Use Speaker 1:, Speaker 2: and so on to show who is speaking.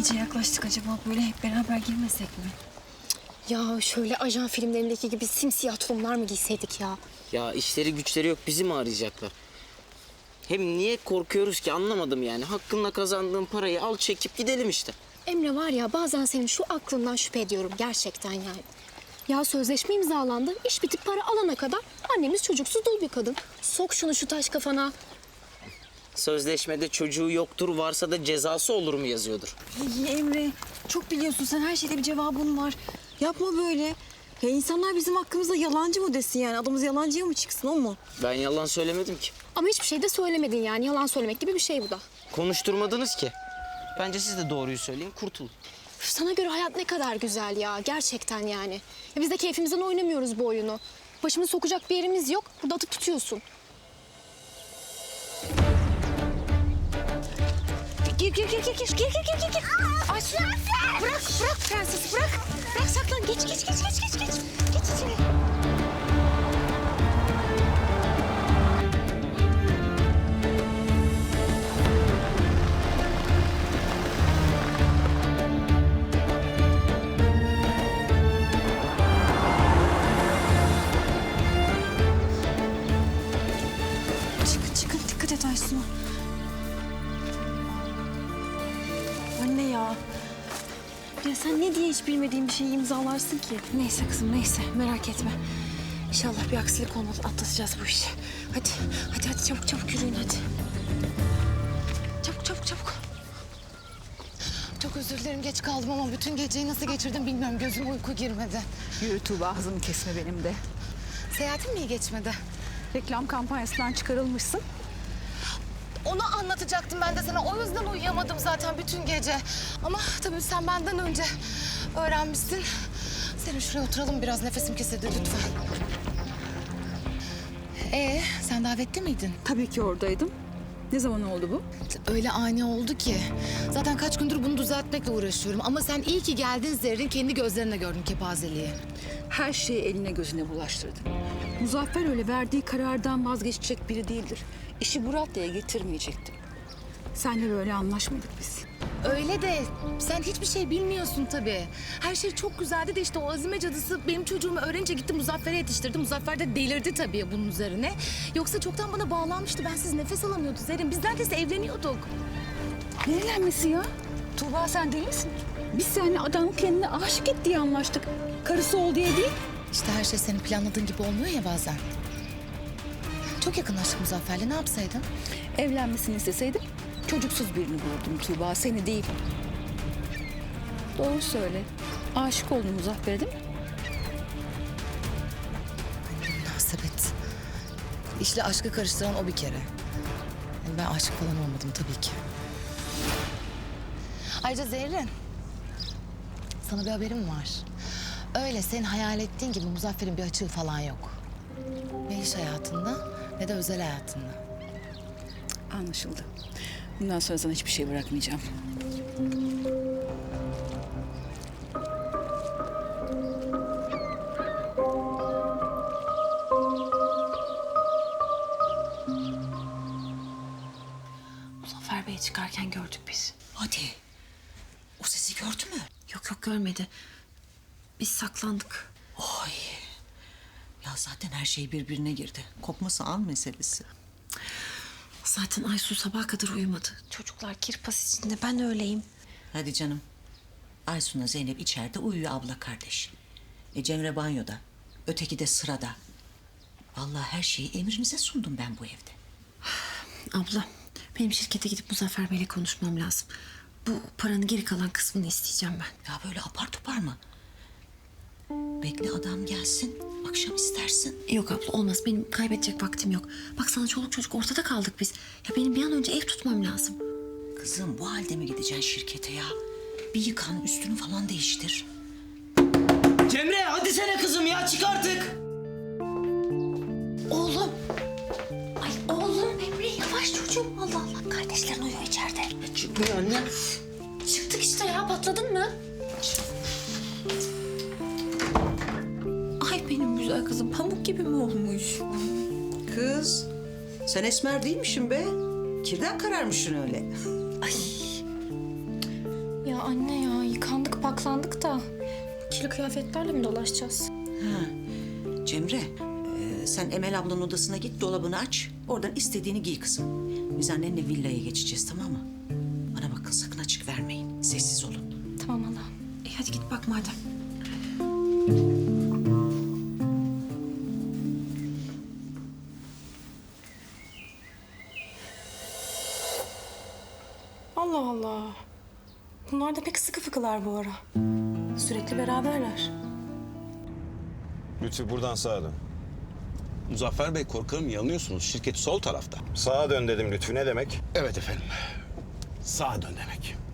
Speaker 1: iyice yaklaştık acaba böyle hep beraber girmesek mi?
Speaker 2: Ya şöyle ajan filmlerindeki gibi simsiyah tulumlar mı giyseydik ya?
Speaker 3: Ya işleri güçleri yok, bizi mi arayacaklar? Hem niye korkuyoruz ki anlamadım yani. Hakkınla kazandığın parayı al çekip gidelim işte.
Speaker 2: Emre var ya bazen senin şu aklından şüphe ediyorum gerçekten yani. Ya sözleşme imzalandı, iş bitip para alana kadar annemiz çocuksuz dul bir kadın. Sok şunu şu taş kafana.
Speaker 3: Sözleşmede çocuğu yoktur, varsa da cezası olur mu yazıyordur.
Speaker 1: İyi Emre, çok biliyorsun sen, her şeyde bir cevabın var. Yapma böyle. Ya insanlar bizim hakkımızda yalancı mı desin yani? Adımız yalancıya mı çıksın, o mu?
Speaker 3: Ben yalan söylemedim ki.
Speaker 2: Ama hiçbir şey de söylemedin yani. Yalan söylemek gibi bir şey bu da.
Speaker 3: Konuşturmadınız ki. Bence siz de doğruyu söyleyin, kurtulun.
Speaker 2: Üf, sana göre hayat ne kadar güzel ya. Gerçekten yani. Ya biz de keyfimizden oynamıyoruz bu oyunu. Başımızı sokacak bir yerimiz yok. Burada atıp tutuyorsun. Gir. Ayşe. Bırak prensesi bırak. Bırak saklan. Geç. Geç içeri.
Speaker 1: Çıkın, dikkat et Aysun. Anne ya. Ya sen ne diye hiç bilmediğin bir şeyi imzalarsın ki? Neyse kızım, neyse. Merak etme. İnşallah bir aksilik olmaz. Atlatacağız bu işi. Hadi çabuk yürüyün hadi. Çabuk.
Speaker 4: Çok özür dilerim geç kaldım ama bütün geceyi nasıl geçirdim bilmiyorum. Gözüme uyku girmedi.
Speaker 5: Yürü Tuğba, hızımı kesme benim de.
Speaker 4: Seyahatin mi iyi geçmedi?
Speaker 5: Reklam kampanyasından çıkarılmışsın.
Speaker 4: Onu anlatacaktım ben de sana. O yüzden uyuyamadım zaten bütün gece. Ama tabii sen benden önce öğrenmişsin. Senin şuraya oturalım biraz, nefesim kesildi lütfen. Sen davetli miydin?
Speaker 5: Tabii ki oradaydım. Ne zaman oldu bu?
Speaker 4: Öyle ani oldu ki. Zaten kaç gündür bunu düzeltmekle uğraşıyorum. Ama sen iyi ki geldin Zerrin. Kendi gözlerine gördün kepazeliği.
Speaker 5: Her şeyi eline gözüne bulaştırdın. Muzaffer öyle verdiği karardan vazgeçecek biri değildir. İşi Murat'la getirmeyecekti. Senle böyle anlaşmadık biz.
Speaker 4: Öyle de sen hiçbir şey bilmiyorsun tabii. Her şey çok güzeldi de işte o Azime cadısı benim çocuğumu öğrenince gitti Muzaffer'e yetiştirdi. Muzaffer de delirdi tabii bunun üzerine. Yoksa çoktan bana bağlanmıştı. Bensiz nefes alamıyordu Zerrin. Biz neredeyse evleniyorduk.
Speaker 5: Ne evlenmesi ya? Tuğba sen deli misin? Biz seninle adam kendine aşık et diye anlaştık. Karısı ol diye değil.
Speaker 4: İşte her şey senin planladığın gibi olmuyor ya bazen. Çok yakınlaştık Muzaffer'le. Ne yapsaydın?
Speaker 5: Evlenmesini isteseydim çocuksuz birini bulurdum Tuğba, seni değil. Doğru söyle. Aşık oldun Muzaffer'e değil mi?
Speaker 4: Münasebet. İşle aşkı karıştıran o bir kere. Yani ben aşık falan olmadım tabii ki. Ayrıca Zerrin, sana bir haberim var. Öyle senin hayal ettiğin gibi Muzaffer'in bir açığı falan yok. Ne iş hayatında ne de özel hayatında.
Speaker 5: Anlaşıldı. Bundan sonra sana hiçbir şey bırakmayacağım.
Speaker 1: Muzaffer Bey'i çıkarken gördük biz.
Speaker 6: Hadi. O sesi gördü mü?
Speaker 1: Yok görmedi. Biz saklandık.
Speaker 6: Oy. Ya zaten her şey birbirine girdi. Kopması an meselesi.
Speaker 1: Zaten Aysu sabaha kadar uyumadı. Çocuklar kirpas içinde, ben öyleyim.
Speaker 6: Hadi canım. Aysun'la Zeynep içeride uyuyor abla kardeş. Cemre banyoda. Öteki de sırada. Vallahi her şeyi emrinize sundum ben bu evde.
Speaker 1: Abla, benim şirkete gidip Muzaffer Bey'le konuşmam lazım. Bu paranın geri kalan kısmını isteyeceğim ben.
Speaker 6: Ya böyle apar topar mı? Bekle adam gelsin. Akşam istersin.
Speaker 1: Yok abla, olmaz. Benim kaybedecek vaktim yok. Baksana çoluk çocuk ortada kaldık biz. Ya benim bir an önce ev tutmam lazım.
Speaker 6: Kızım bu halde mi gideceksin şirkete ya? Bir yıkan üstünü falan değiştir.
Speaker 3: Cemre hadi sene kızım ya, çık artık.
Speaker 1: Oğlum. Ay oğlum Emre, yavaş çocuğum. Allah Allah. Kardeşlerin uyuyor içeride.
Speaker 3: Çıkmıyor anne.
Speaker 2: Çıktık işte ya, patladın mı?
Speaker 1: Ay benim güzel kızım pamuk gibi mi olmuş?
Speaker 6: Kız sen esmer değilmişsin be. Kirden kararmışsın öyle.
Speaker 1: Ay.
Speaker 2: Ya Ya anne ya yıkandık paklandık da kirli kıyafetlerle mi dolaşacağız?
Speaker 6: Cemre, sen Emel ablanın odasına git, dolabını aç. Oradan istediğini giy kızım. Biz annenle villaya geçeceğiz, tamam mı? Bana bakın, sakın açık vermeyin. Sessiz olun.
Speaker 2: Tamam hala.
Speaker 1: Hadi git bak madem. Allah Allah. Bunlar da pek sıkı fıkılar bu ara. Sürekli beraberler.
Speaker 7: Lütfü buradan sağa dön.
Speaker 8: Muzaffer Bey korkarım yanılıyorsunuz. Şirket sol tarafta.
Speaker 7: Sağa dön dedim Lütfü, ne demek?
Speaker 8: Evet efendim. Sağa dön demek.